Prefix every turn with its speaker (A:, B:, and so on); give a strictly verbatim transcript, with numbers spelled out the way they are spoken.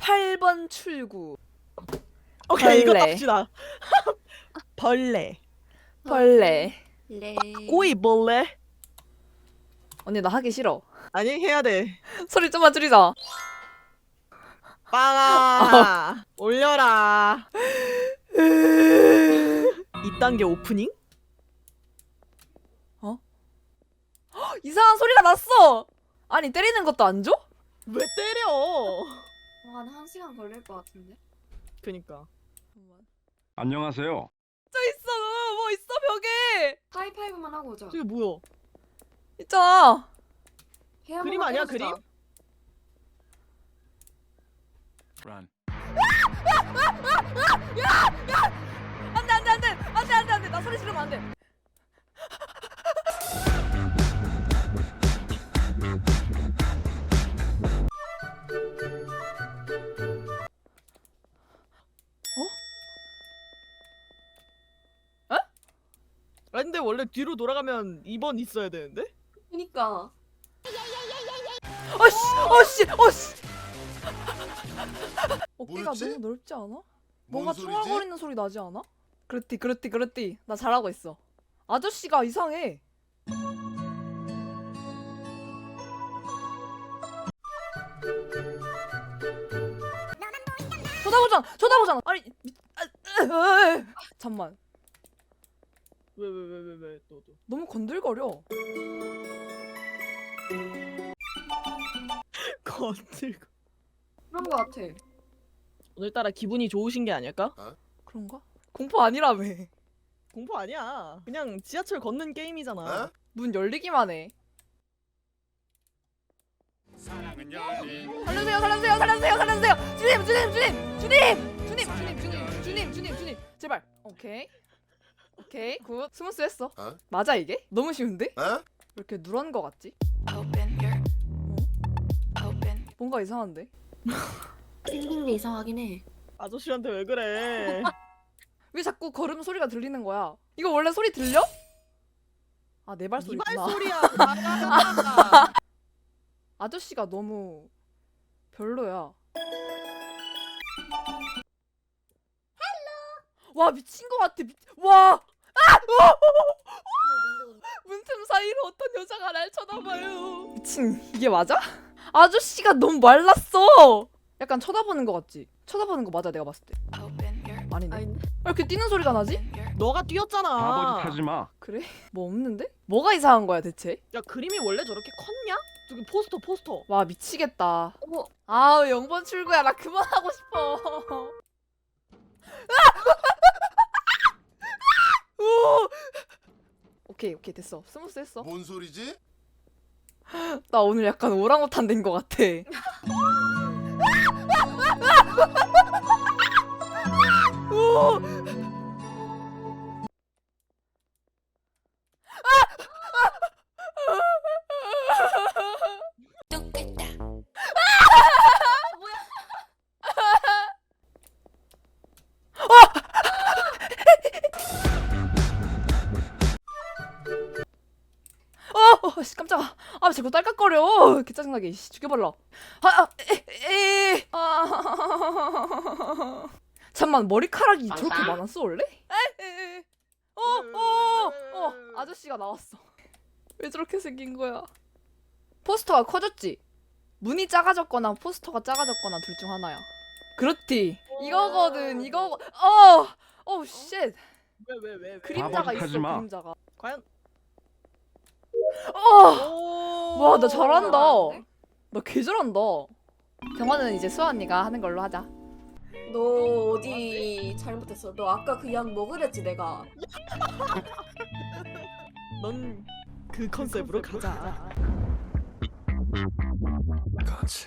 A: 팔 번 출구.
B: 오케이 이거
A: 벌레.
B: 갑시다. 벌레.
A: 벌레.
C: 레.
B: 꼬이벌레.
A: 언니 나 하기 싫어.
B: 아니 해야 돼.
A: 소리 좀만 줄이자.
B: 빵아 올려라. 이 단계 오프닝?
A: 이상한 소리가 났어. 아니 때리는 것도 안 줘?
B: 왜 때려?
C: 한 한 시간 걸릴 것 같은데.
B: 그니까.
D: 안녕하세요.
A: 저 있어. 뭐 있어 벽에.
C: 하이파이브만 하고 오자.
B: 저게 뭐야?
A: 있잖아.
C: 해 한번
B: 그림 아니야,
C: 해보자.
B: 그림?
D: Run.
A: 안돼 안돼 안돼 안돼 안돼 안돼 나 소리 지르면 안돼.
B: 아 근데 원래 뒤로 돌아가면 이 번 있어야 되는데?
C: 그니까.
A: 어씨 어씨 어씨. 어깨가
E: 뭐였지?
A: 너무 넓지 않아?
E: 뭔
A: 뭔가
E: 소리지?
A: 중얼거리는 소리 나지 않아? 그렇디 그렇디 그렇디 나 잘하고 있어. 아저씨가 이상해. 쳐다보잖아 쳐다보잖아. 아니 미... 아, 으, 으, 잠만
B: 왜 왜 왜 왜 왜 또 또.
A: 너무 건들거려.
B: 건들고.
C: 그런 거 같아.
B: 오늘따라 기분이 좋으신 게 아닐까?
A: 그런가? 공포 아니라며.
B: 공포 아니야. 그냥 지하철 걷는 게임이잖아.
E: 어?
A: 문 열리기만 해.
D: 사랑은 열린.
A: 살려주세요 살려주세요 살려주세요 살려주세요. 주님 주님 주님 주님 주님 주님 주님 주님 주님 주님 제발. 오케이 오케이 굿. 스무스했어.
E: 어?
A: 맞아 이게? 너무 쉬운데?
E: 어?
A: 왜 이렇게 누런 거 같지?
F: Open your open.
A: 뭔가 이상한데?
C: 생긴 게 이상하긴 해.
B: 아저씨한테 왜 그래?
A: 왜 자꾸 걸음 소리가 들리는 거야? 이거 원래 소리 들려? 아 내
B: 이
A: 발소리구나.
B: 발소리야. 나가라.
A: 아저씨가 너무 별로야. 와 미친 거 같아. 미... 와! 아! 문틈 사이로 어떤 여자가 날 쳐다봐요. 미친 이게 맞아? 아저씨가 너무 말랐어. 약간 쳐다보는 거 같지? 쳐다보는 거 맞아 내가 봤을 때.
F: Open your
A: 아니네.
C: 아닌데?
A: 왜 이렇게 뛰는 소리가 나지?
F: open your
B: 너가 뛰었잖아.
D: 바보짓 하지 마.
A: 그래? 뭐 없는데? 뭐가 이상한 거야 대체?
B: 야 그림이 원래 저렇게 컸냐? 저기 포스터 포스터.
A: 와 미치겠다.
C: 어머.
A: 아우 영 번 출구야. 나 그만하고 싶어. 오! 오케이 오케이 됐어. 스무스 했어.
E: 뭔 소리지?
A: 나 오늘 약간 오랑우탄 된 거 같아. 오!
F: 똑같다.
A: 어, 어, 씨, 깜짝아. 아, 자꾸 딸깍거려. 개 짜증나게. 씨, 죽여발라. 아, 아, 에, 에, 아. 잠만, 머리카락이 저렇게 많았어, 원래? 에, 에, 에. 어, 어, 어, 아저씨가 나왔어. 왜 저렇게 생긴 거야? 포스터가 커졌지? 문이 작아졌거나 포스터가 작아졌거나 둘 중 하나야. 그렇디. 이거거든, 이거. 어, 어, 쉣.
B: 왜 왜 왜 왜?
A: 그림자가
D: 바보짓
A: 있어,
D: 하지 마.
A: 그림자가.
B: 과연?
A: 어!
B: 오.
A: 와, 나 잘한다.
C: 잘하는데?
A: 나 개 잘한다. 경화는 이제 수아 언니가 하는 걸로 하자.
C: 너 어디 잘못했어? 너 아까 그 약 먹으랬지 내가.
B: 넌 그 컨셉으로 가자.
D: 그렇지.